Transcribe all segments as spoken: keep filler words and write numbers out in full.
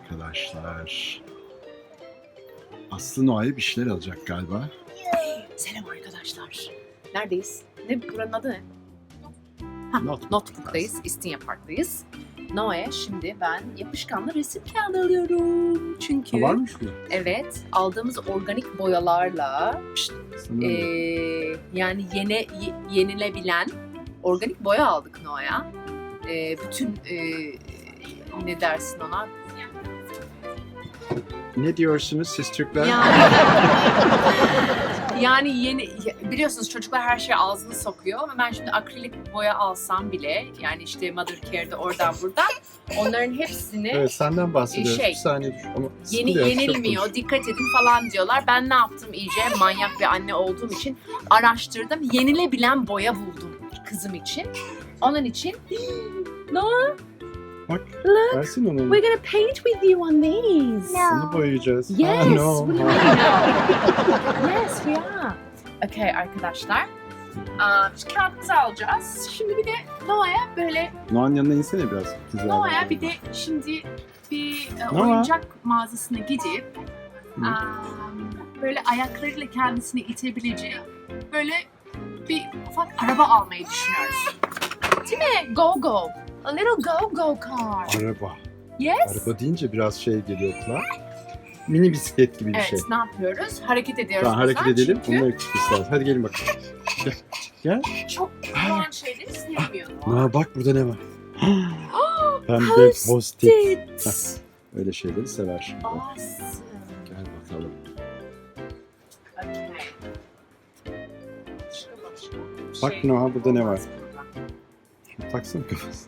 arkadaşlar. Aslı Noah'ya bir şeyler alacak galiba. Selam arkadaşlar. Neredeyiz? Ne buranın adı ne? Ha, Notebook. Notebook'tayız. İstinye Park'tayız. Noah'ya şimdi ben yapışkanlı resim kağıdı alıyorum. Çünkü Ha, varmış mı? evet, aldığımız organik boyalarla Sana Ee, yani yene, ye- yenilebilen organik boya aldık Noah'ya. Ee, bütün e, ne dersin ona? Ne diyorsunuz siz Türkler? Yani, yani yeni biliyorsunuz çocuklar her şeye ağzını sokuyor ve ben şimdi akrilik boya alsam bile yani işte Mother Care'de oradan buradan onların hepsini Evet, senden bahsediyoruz. Şey, bir saniye dur. Ama yeni sıkılıyor, çok yenilmiyor, konuş. dikkat edin falan diyorlar. Ben ne yaptım iyice manyak bir anne olduğum için araştırdım. Yenilebilen boya buldum kızım için. Onun için Noah, Bak, look, versin onu. we're gonna paint with you on these. Bunu boyayacağız. Yes, Ah, no. what do you mean no? Yes, we are. Okay arkadaşlar. Aa, şu kağıtımızı alacağız. Şimdi bir de Noah'ya böyle Noah'nın yanına insene biraz. Güzel. Noah'ya bir de şimdi bir e, Noah. oyuncak mağazasına gidip Hı. aa, böyle ayaklarıyla kendisini itebileceği böyle bir ufak araba almayı düşünüyoruz. Değil mi? Go go. A little go go car. Araba. Yes. Araba deyince biraz şey geliyor kulağa. Mini bisiklet gibi bir Evet, şey. ne yapıyoruz? Hareket ediyoruz. Tamam, hareket buradan edelim. çünkü Bununla gitmemiz lazım. Hadi gelin bakalım. Gel. Gel. çok kulağın şeyleri sevmiyor. Noah bak burada ne var? Pembe Post-it. post-it. Öyle şeyleri sever şimdi. Awesome. Gel bakalım. Okay. Başka başka bir Bak şey Noah, burada ne var? olmaz burada. Şunu taksana kafasına.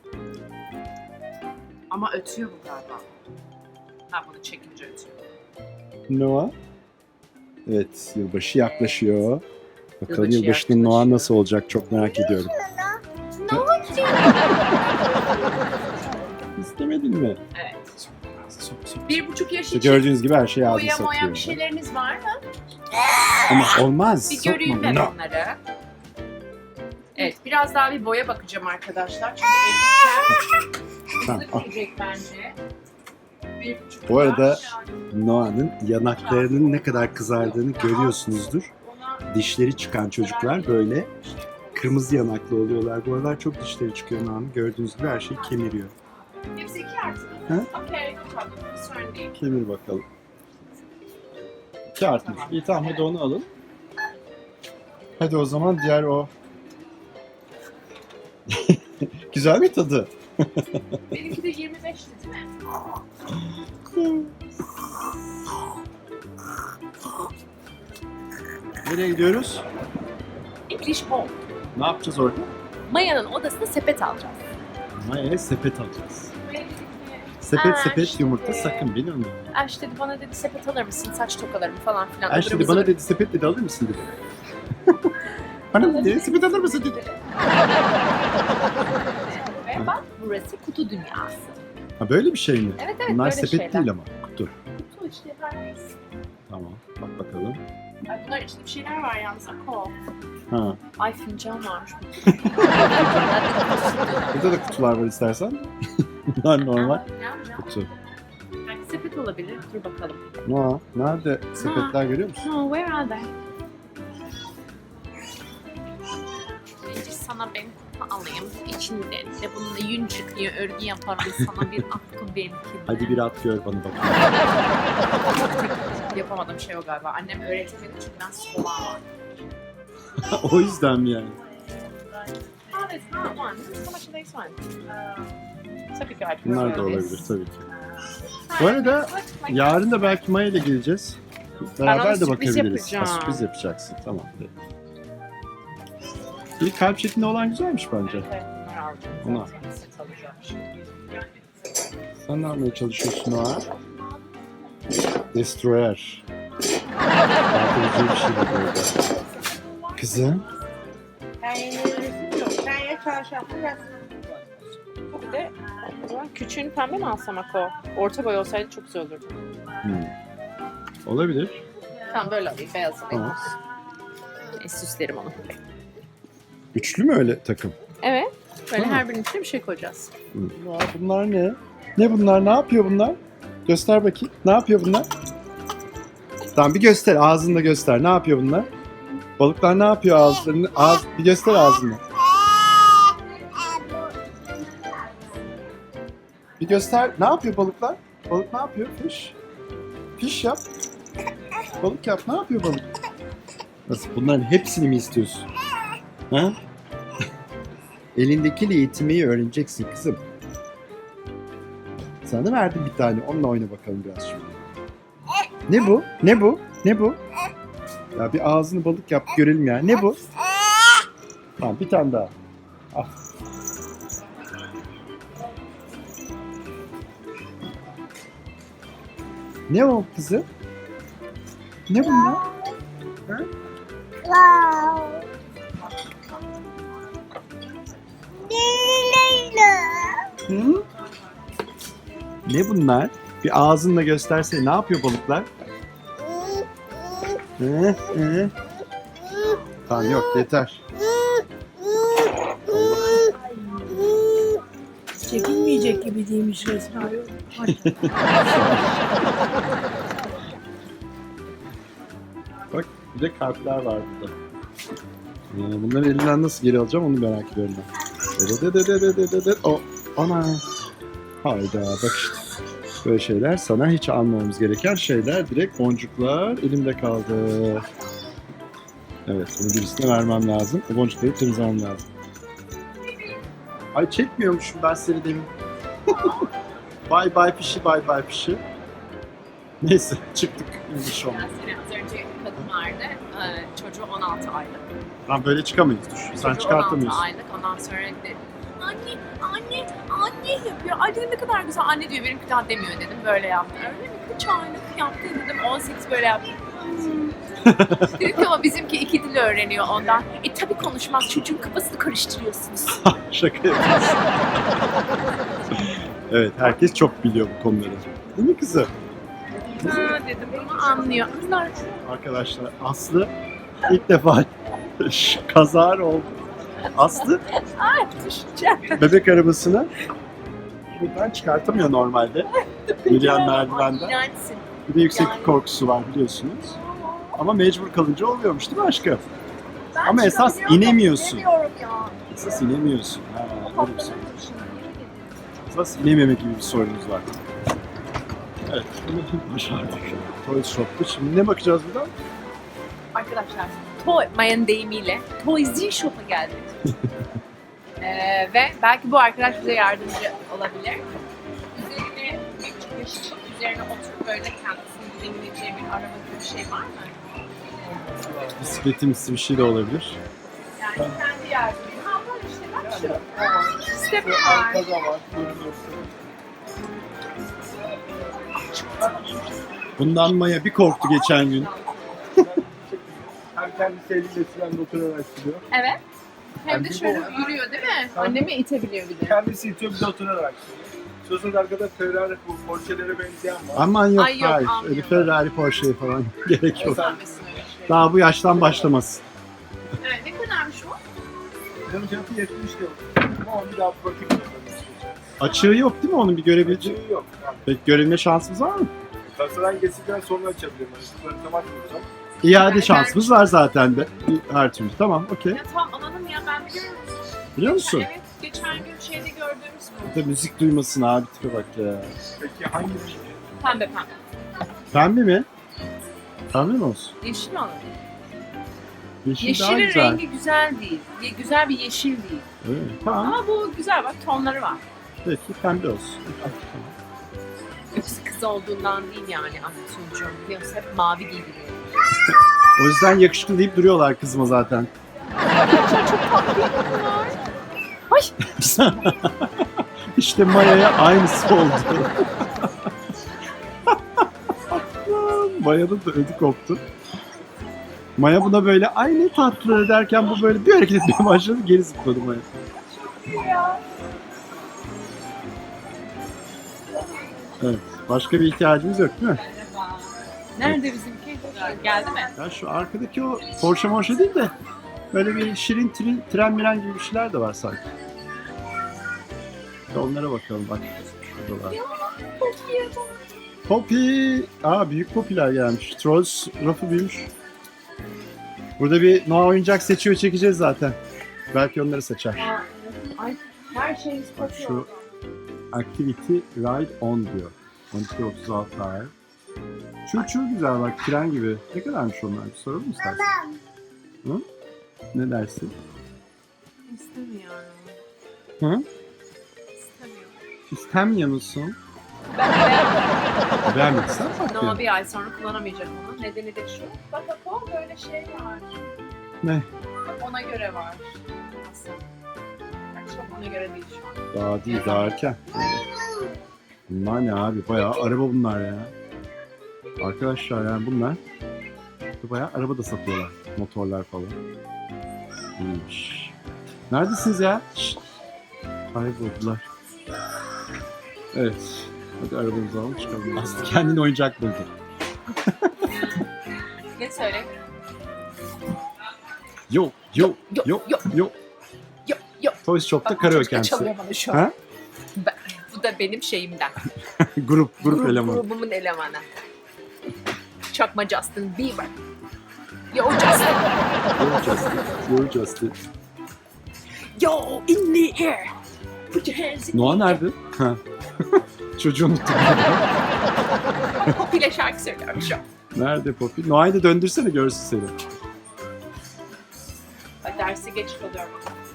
Ama ötüyor bu galiba. Ha bunu çekince ötüyor. Noah. Evet, yılbaşı yaklaşıyor. Bakalım Yılbaşı yılbaşının Noah yaklaşıyor. nasıl olacak, çok merak ediyorum. Ne oldu? İstemedin mi? Evet. Sok, sok. Bir buçuk yaş İşte için gördüğünüz gibi her şey ağzı boya moya satıyor. bir şeyleriniz var mı? Ama olmaz. Bir göreyim sokma ben bunu. onları. Evet, biraz daha bir boya bakacağım arkadaşlar. Çünkü evdekiler Tamam, al. hızlı gidecek bence. Bir buçuk Bu arada yaş. Noah'nın yanaklarının ne kadar kızardığını görüyorsunuzdur. Ona- Dişleri çıkan çocuklar böyle kırmızı yanaklı oluyorlar. Bu aralar çok dişleri çıkıyor Noah'nın. Gördüğünüz gibi her şeyi kemiriyor. Hepsi iki artı mı? Hı? Okey, no problem. Sorun değil. Kemir bakalım. İki artmış. İyi tamam, hadi onu alın. Hadi o zaman diğer o... Güzel mi tadı? Benimki de yirmi beşti değil mi? Nereye gidiyoruz? English Home. Ne yapacağız orada? Maya'nın odasına sepet alacağız. Maya'ya sepet alacağız. Sepet Aa, sepet işte. yumurta sakın, biliyor musun? Aş dedi bana dedi sepet alır mısın saç tokalarımı falan filan. Ayşe dedi, bana dedi sepet dedi, alır mısın dedi. Bana dedi sepet alır mısın dedi. Ve bak burası kutu dünyası. Ha, böyle bir şey mi? Evet evet Bunlar böyle sepet şeyler. değil ama kutu. Kutu işte her neyse. Tamam, bak bakalım. Ay bunlar içinde bir şeyler var yalnız Ako. Ha. Ay fincan varmış. Burada da kutular var istersen. Bunlar normal kutu. Yani sepet olabilir. Dur bakalım. Noah, nerede sepetler görüyor musun? No, where are they? Önce sana ben kutu alayım. İçinden de bununla yün çıkıyor, örgü yaparım sana bir atkı benimkinde. Hadi bir at gör bana bak. Yapamadığım şey o galiba. Annem öğretmedi çünkü ben sola var. O yüzden mi yani? Oh, there's not one. How much are these one? Tabii ki artık Bunlar da öyle. olabilir tabii ki. Bu arada yarın da belki Maya ile geleceğiz. Beraber ona de sürpriz bakabiliriz. Ha, yapacağım. sürpriz yapacaksın. Tamam. Peki. Bir kalp şeklinde olan güzelmiş bence. Evet, bunları alacağım. Ona. Zaten set alacağım şimdi. Sen ne yapmaya çalışıyorsun Noah? Destroyer. Dağıtıcı bir şey de böyle. Kızım. Ben yeni yok. Ben ya çarşaflı ya. Bir de o zaman küçüğünü pembe mi alsam Ako? Orta boy olsaydı çok güzel olurdu. Hmm. Olabilir. Tamam böyle alayım, beyaz alayım. Tamam. E, süslerim onu. Üçlü mü öyle takım? Evet. Böyle Tamam. her birinin içine bir şey koyacağız. Hmm. Aa, bunlar ne? Ne bunlar? Ne yapıyor bunlar? Göster bakayım. Ne yapıyor bunlar? Tamam bir göster. Ağzını da göster. Ne yapıyor bunlar? Balıklar ne yapıyor ağızlarını? Ağız, bir göster ağzını. Bir göster. Ne yapıyor balıklar? Balık ne yapıyor? Fiş. Fiş yap. Balık yap. Ne yapıyor balık? Nasıl? Bunların hepsini mi istiyorsun? Ha? Elindekiyle yetinmeyi öğreneceksin kızım. Sana verdim bir tane. Onunla oyna bakalım biraz şimdi. Ne bu? Ne bu? Ne bu? Ya bir ağzını balık yap görelim ya. Ne bu? Tamam bir tane daha. Al. Ne o kızı? Ne bunlar? Ha? Hı? Ne bunlar? Bir ağzınla göstersene. Ne yapıyor balıklar? Hı, hı. Tamam yok yeter. Çekilmeyecek gibi değilmiş resmen. Ay. Bak bir de kalpler var burada. Ee, bunları elinden nasıl geri alacağım onu merak ediyorum ben. Dedededededededet. O, ana. Hayda bak işte. Böyle şeyler sana hiç almamamız gereken şeyler. Direkt boncuklar elimde kaldı. Evet bunu birisine vermem lazım. O boncukları temizlemem lazım. Ay çekmiyormuşum ben seni demin. Bye bye pişi bye bye pişi. Neyse çıktık. İnmiş olmadı. Seni az önce kadın vardı. Ee, çocuğu on altı aylık. Lan böyle çıkamayız dur. Sen Çocuğu çıkartamıyorsun. on altı aylık. Ondan sonra dedi. Anne, anne, anne yapıyor. Ay dedim ne kadar güzel anne diyor. Benimki daha demiyor dedim. Böyle yaptı. Öyle mi? Kaç aylık yaptı dedim. on sekiz böyle yaptı. Dedim ki ama bizimki iki dil öğreniyor ondan. E tabii konuşmaz. Çocuğun kafasını karıştırıyorsunuz. Şaka yapıyorsun. Evet herkes çok biliyor bu konuları. Değil mi kızım? Ha dedim ama anlıyor. Kızlar Arkadaşlar Aslı ilk defa kazar oldu. Aslı düşeceğim. bebek arabasını buradan çıkartamıyor normalde. Yürüyen merdivenden. İğrençsin. Bir de yükseklik Yani. korkusu var biliyorsunuz. Ama mecbur kalınca oluyormuş değil mi aşkım? Ben Ama esas çıkamıyorum, inemiyorsun. inemiyorum ya. Esas inemiyorsun. Ha, öyle bir Kafamda sorun. düşünüyorum. Esas inememe gibi bir sorunumuz var. Evet, bunu başardık. Toy Shop'ta. Şimdi ne bakacağız buradan? Arkadaşlar, Toy, Maya'nın deyimiyle Toysy Shop'a geldik. ee, ve belki bu arkadaş bize yardımcı olabilir. Üzerine bir çıkış, üzerine oturup böyle kendisini dinleyeceği bir araba gibi bir şey var mı? Bisikletimsi bir şey de olabilir. Yani kendi yardımcı. Ha böyle işte bak şu. Step var. Bundan Maya bir korktu geçen gün. Hem kendi sevdiğiyle frende oturarak sürüyor. Evet. Hem de Yani şöyle bu- yürüyor değil mi? Annemi itebiliyor bir de. Kendisi itiyor bir de oturarak sürüyor. Sözün arkada Ferrari bu Porsche'lere benzeyen var. Aman yok, Ay yok, hayır. almıyorum. Öyle Ferrari, Porsche falan gerek yok. Göstermesin öyle şey. Daha bu yaştan başlamasın. Evet, ne kadarmış o? Benim fiyatı yetmiş lira. Ama onu bir daha bakayım. Açığı yok değil mi onun bir görebileceği? Acığı yok. Yani Peki görebilme şansımız var mı? kasadan geçtikten sonra açabilirim. Yani sıfırları kapatmayacağım. İade Yani şansımız var zaten de. Her türlü. Tamam, okey. Ya tamam anladım ya ben biliyorum. Biliyor musun? Evet, geçen gün şeyde gördüğümüz bu. Bir de müzik duymasın abi tipe bak ya. Peki hangi bir Pembe pembe. Pembe mi? Pembe mi olsun? Yeşil mi alalım? Yeşil daha Yeşilin güzel. rengi güzel değil. Ye- Güzel bir yeşil değil. Evet, tamam. Ama bu güzel bak tonları var. Peki pembe olsun. Tamam. Yoksa kız olduğundan değil yani Ahmet biliyorsun hep mavi giydiriyor. O yüzden yakışıklı deyip duruyorlar kızıma zaten. Ay İşte Maya'ya aynısı oldu. Maya'nın da ödü koptu. Maya buna böyle ay ne tatlı derken bu böyle bir hareket etmeye başladı, geri zıpladı Maya. Evet, başka bir ihtiyacımız yok değil mi? nerede bizimki? Geldi mi? Ya şu arkadaki o Porsche Porsche değil de böyle bir şirin tren, tren miren gibi bir şeyler de var sanki. Bir de onlara bakalım bak. Şuradalar. Poppy. Aa büyük Poppy'ler gelmiş. Trolls rafı büyümüş. Burada bir Noah oyuncak seçiyor çekeceğiz zaten. Belki onları seçer. Aa, ay, her şeyimiz Bak kopuyor. şu Activity Ride On diyor. on iki otuz altı ay. Şu çok güzel bak tren gibi. Ne kadarmış onlar? Bir soralım mı istersen? Hı? Ne dersin? İstemiyorum. Hı? İstemiyorum. İstemiyor musun? Ben beğenmedim. Beğenmediysen fark Ama yok. bir ay sonra kullanamayacak onu. Nedeni de şu. Bak bak o böyle şey var. Ne? Bak ona göre var. Aslında. Bak çok ona göre değil şu an. Daha değil, daha erken. Bunlar ne abi? Bayağı araba bunlar ya. Arkadaşlar yani bunlar bayağı araba da satıyorlar. Motorlar falan. İyiymiş. Neredesiniz ya? Şşt. Kayboldular. Evet. Hadi arabamızı alalım çıkalım. Aslı kendine oyuncak buldu. Ne söyle? Yo yo Yo, yo yo. yo. Yok yok. Toys Shop'ta Bak, karaoke çocuk da çalıyor kendisi. bana şu an. Ha? Ben- bu da benim şeyimden. grup grup elemanı. Grubumun elemanı. Çakma Justin Bieber. Yo Justin. You're Justin. You're Justin. Yo in the air. Put your hands in Noah the air. nerede? Ha. Çocuğu unuttum. Pop ile şarkı söylüyorum şu an. Nerede Poppy? Noah'yı da döndürsene görsün seni. Ay, derse geç kalıyorum.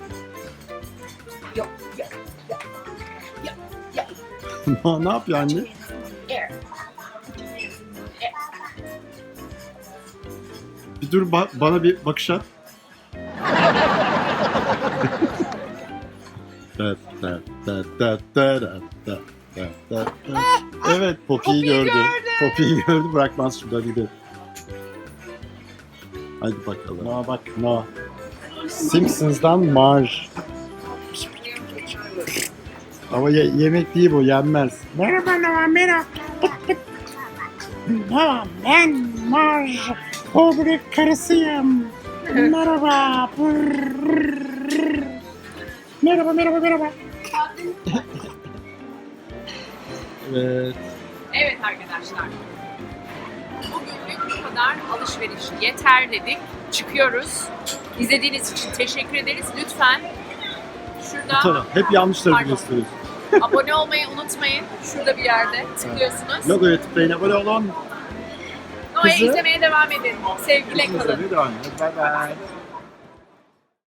Yo yo yo. Yo yo. Noah ne yapıyor anne? Air. Put your hands in the air. Bir dur ba- bana bir bakış at. Da, da, da, da, da, da, da, da, da, da. Evet Poppy'yi Poppy'yi gördü. gördü. Poppy'yi gördü bırakmaz şurada gidelim. Hadi bakalım. Noah bak Noah. Simpsons'dan Marge. Ama ye- yemek değil bu yenmez. Merhaba Noah, merhaba. Noah, ben Marge. Bobrik karısıyım. Merhaba. Merhaba, merhaba, merhaba. Evet. Evet arkadaşlar. Bugünlük bu kadar alışveriş yeter dedik. Çıkıyoruz. İzlediğiniz için teşekkür ederiz. Lütfen şurada Tamam. Hep yanlış tarafı Pardon. gösteriyorsun. abone olmayı unutmayın. Şurada bir yerde tıklıyorsunuz. Logoya tıklayın abone olun. Noah'yı Kızı- izlemeye devam edin. Sevgiyle kalın. Devam edin. Bye bye.